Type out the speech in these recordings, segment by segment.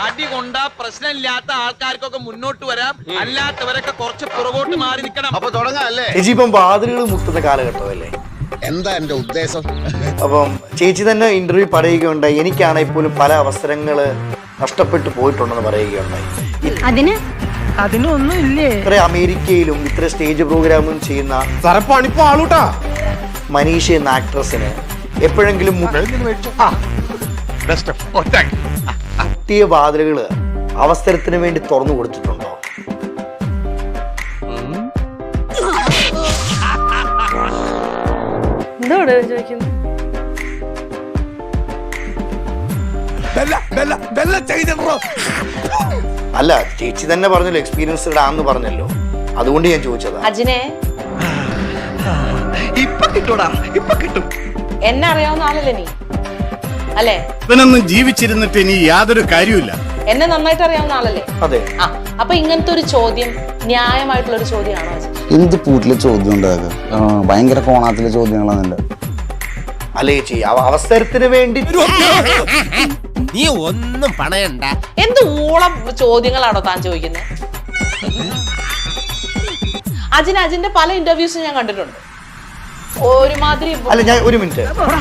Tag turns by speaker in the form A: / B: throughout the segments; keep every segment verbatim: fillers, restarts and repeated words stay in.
A: അടി കൊണ്ട പ്രശ്നമില്ലാത്ത ആൾക്കാർക്കൊക്കെ മുന്നോട്ട് വരാം, അല്ലാത്തവരൊക്കെ കുറച്ച് പുറകോട്ട് മാറി നിൽക്കണം.
B: അപ്പൊ തുടങ്ങാല്ലേ?
C: ചേച്ചി ഇപ്പം വാതിലുകൾ മുട്ടുന്ന കാലഘട്ടമല്ലേ?
B: എന്താ എന്റെ ഉദ്ദേശം?
C: അപ്പം ചേച്ചി തന്നെ ഇന്റർവ്യൂ പറയുകയുണ്ടായി, എനിക്കാണെങ്കിൽ പോലും പല അവസരങ്ങള് നഷ്ടപ്പെട്ടു പോയിട്ടുണ്ടെന്ന് പറയുകയുണ്ടായി.
D: അതിന് അതിനൊന്നും ഇല്ലേ?
C: ഇത്ര അമേരിക്കയിലും ഇത്ര സ്റ്റേജ് പ്രോഗ്രാമും ചെയ്യുന്ന
E: സരപ്പാണിപ്പോ ആളൂട്ടാ
C: മനീഷ എന്ന ആക്ട്രസിന് എപ്പോഴെങ്കിലും മുട്ടിയ വാതിലുകള് അവസരത്തിന് വേണ്ടി തുറന്നു കൊടുത്തിട്ടുണ്ടോ?
D: എന്തോട് ചോദിക്കുന്നു?
C: അല്ല, ചേച്ചി തന്നെ പറഞ്ഞല്ലോ എക്സ്പീരിയൻസ്ഡ് ആന്ന് പറഞ്ഞല്ലോ, അതുകൊണ്ട് ഞാൻ ചോദിച്ചതാ.
F: അജിനെ
A: ഇപ്പൊ കിട്ടൂടാ, ഇപ്പൊ കിട്ടും.
F: എന്നെ അറിയാവുന്ന ആളല്ലേ നീ, അല്ലേ?
E: ഇവനൊന്നും ജീവിച്ചിരുന്നിട്ട് ഇനി യാതൊരു കാര്യമില്ല.
F: എന്നെ നന്നായിട്ട് അറിയാവുന്ന ആളല്ലേ?
C: അതെ.
F: ആ, അപ്പൊ ഇങ്ങനത്തെ ഒരു ചോദ്യം ന്യായമായിട്ടുള്ള ഒരു ചോദ്യമാണോ അജി?
G: എന്ത് പൂട്ടിലെ ചോദ്യം ഉണ്ടാക്കുക? ഭയങ്കര കോണാത്തിലെ ചോദ്യങ്ങളാണ് എന്റെ.
C: അല്ലേ ചേച്ചി, അവസരത്തിന് വേണ്ടി
H: നീ ഒന്നും പണയണ്ട.
F: എന്ത് ഊളം ചോദ്യങ്ങളാണോ താൻ ചോദിക്കുന്നത്? അജിന് അജിന്റെ പല ഇന്റർവ്യൂസും ഞാൻ കണ്ടിട്ടുണ്ട്. ഒരുമാതിരി
C: അല്ല, ഞാൻ ഒരു മിനിറ്റ്.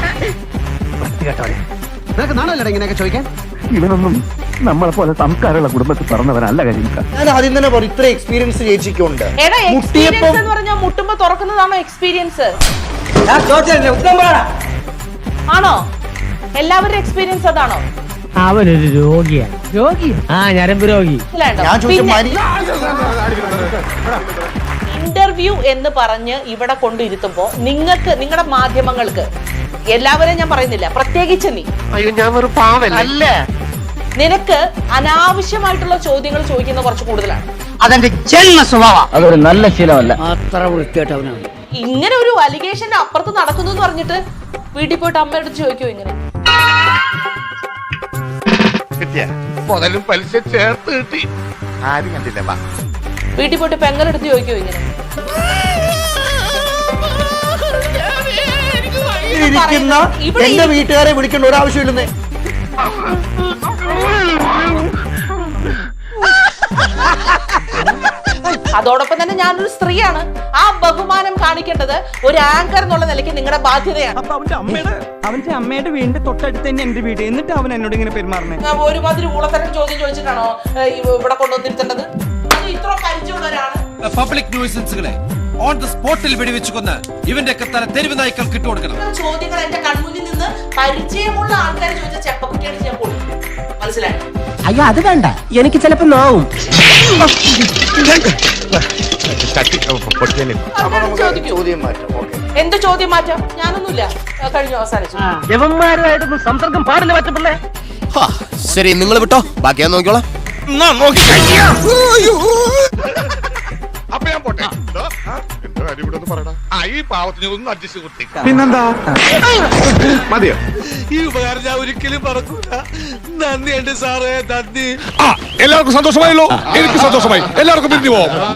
I: ഇവനൊന്നും നമ്മളെ പോലെ സംസ്കാരമുള്ള കുടുംബത്തിൽ പറഞ്ഞവനല്ല കരിക്ക.
C: ഞാൻ ആദ്യം തന്നെ പറയും, ഇത്ര എക്സ്പീരിയൻസ് ചേച്ചിക്കുണ്ട്.
F: എടാ, എക്സ്പീരിയൻസ് എന്ന് പറഞ്ഞാൽ മുട്ടുമ്പോ തുറക്കുന്നതാണോ എക്സ്പീരിയൻസ്? ആണോ? എല്ലാവരുടെ എക്സ്പീരിയൻസ് അതാണോ?
I: അവനൊരു രോഗിയാ. രോഗി? ആ, ഞരമ്പ് രോഗി.
C: ഞാൻ ചോദിച്ച
F: ഇന്റർവ്യൂ എന്ന് പറഞ്ഞ് ഇവിടെ കൊണ്ടിരുത്തുമ്പോ നിങ്ങൾക്ക്, നിങ്ങളുടെ മാധ്യമങ്ങൾക്ക്, എല്ലാവരെയും ഞാൻ പറയുന്നില്ല, പ്രത്യേകിച്ച് നീ,
H: അയ്യോ ഞാൻ ഒരു പാവല്ല.
F: നിനക്ക് അനാവശ്യമായിട്ടുള്ള ചോദ്യങ്ങൾ ചോദിക്കുന്ന കുറച്ച് കൂടുതലാണ്.
I: അതെന്റെ ചെന്ന സ്വഭാവം. അതൊരു നല്ല ശീലമല്ല. അത്ര വൃത്തിയായിട്ടവനാണ്.
F: ഇങ്ങനെ ഒരു അലിഗേഷന്റെ അപ്പുറത്ത് നടക്കുന്നു എന്ന് പറഞ്ഞിട്ട് വീട്ടിൽ പോയിട്ട് അമ്മയുടെ അടുത്ത് ചോദിക്കോ ഇങ്ങനെ?
B: മുതലും പലിശ ചേർത്ത് കിട്ടി. ആരും കണ്ടില്ല.
F: വീട്ടിൽ പോയിട്ട് പെങ്ങളെടുത്ത് ചോദിക്കോ ഇങ്ങനെ?
C: ഇരിക്കുന്ന എന്റെ വീട്ടുകാരെ വിളിക്കേണ്ട ഒരാവശ്യമില്ലെന്നേ.
F: അതോടൊപ്പം തന്നെ ഞാനൊരു സ്ത്രീയാണ്. ആ ബഹുമാനം കാണിക്കേണ്ടത് ഒരു ആങ്കർ എന്നുള്ള നിലയ്ക്ക് നിങ്ങളുടെ ബാധ്യതയാണ്.
J: അവന്റെ അമ്മയുടെ വീടിന്റെ തൊട്ടടുത്ത് തന്നെ എന്റെ വീട്, എന്നിട്ട് അവൻ എന്നോട് ഇങ്ങനെ പെരുമാറണേ.
F: ഒരുമാതിരി ഊളത്തരം ചോദ്യം ചോദിച്ചിട്ടാണോ ഇവിടെ കൊണ്ടുവന്നിരുത്തേണ്ടത്? അത് ഇത്ര പരിചയമുള്ളവരാണ്.
H: പബ്ലിക് ന്യൂസൻസുകളെ ഓൺ ദ സ്പോട്ടിൽ വെടിവെച്ചു കൊന്ന് ഇവന്റെ ഒക്കെ തല തെരുവ് നായ്ക്കൾ കിട്ടുകൊടുക്കണം.
F: ചോദ്യങ്ങൾ എന്റെ കൺമുന്നിൽ നിന്ന് പരിചയമുള്ള ആൾക്കാർ ചോദിച്ച ചെപ്പക്കുട്ടിയാണ് ഞാൻ പൊളി. മനസ്സിലായി?
I: അയ്യോ, അത് വേണ്ട, എനിക്ക് ചിലപ്പോ നോവും.
C: ചോദ്യം മാറ്റാം. ഓക്കെ,
F: എന്ത് ചോദ്യം മാറ്റാം? ഞാനൊന്നുമില്ല, കഴിഞ്ഞു, അവസാനിച്ചു.
I: യവന്മാരുമായിട്ടൊന്നും സംസർഗം പാടില്ല പറ്റപ്പിള്ളേ.
H: ശരി, നിങ്ങൾ വിട്ടോ, ബാക്കി ഞാൻ നോക്കിക്കോളാം.
B: അപ്പൊ ഞാൻ പോട്ടെ. എന്റെ കാര്യം ഇവിടെ ഒന്ന് പറയടാ. ആ, ഈ പാവത്തിന് ഒന്ന് അഡ്ജസ്റ്റ് കൊടുത്തേ.
E: പിന്നെന്താ മതിയോ?
H: ഈ ഉപകാരം ഞാൻ ഒരിക്കലും പറക്കൂല. നന്ദിയുണ്ട് സാറേ, നന്ദി.
E: എല്ലാവർക്കും സന്തോഷമായല്ലോ? എനിക്ക് സന്തോഷമായി. എല്ലാവർക്കും പിരിഞ്ഞു പോവാം.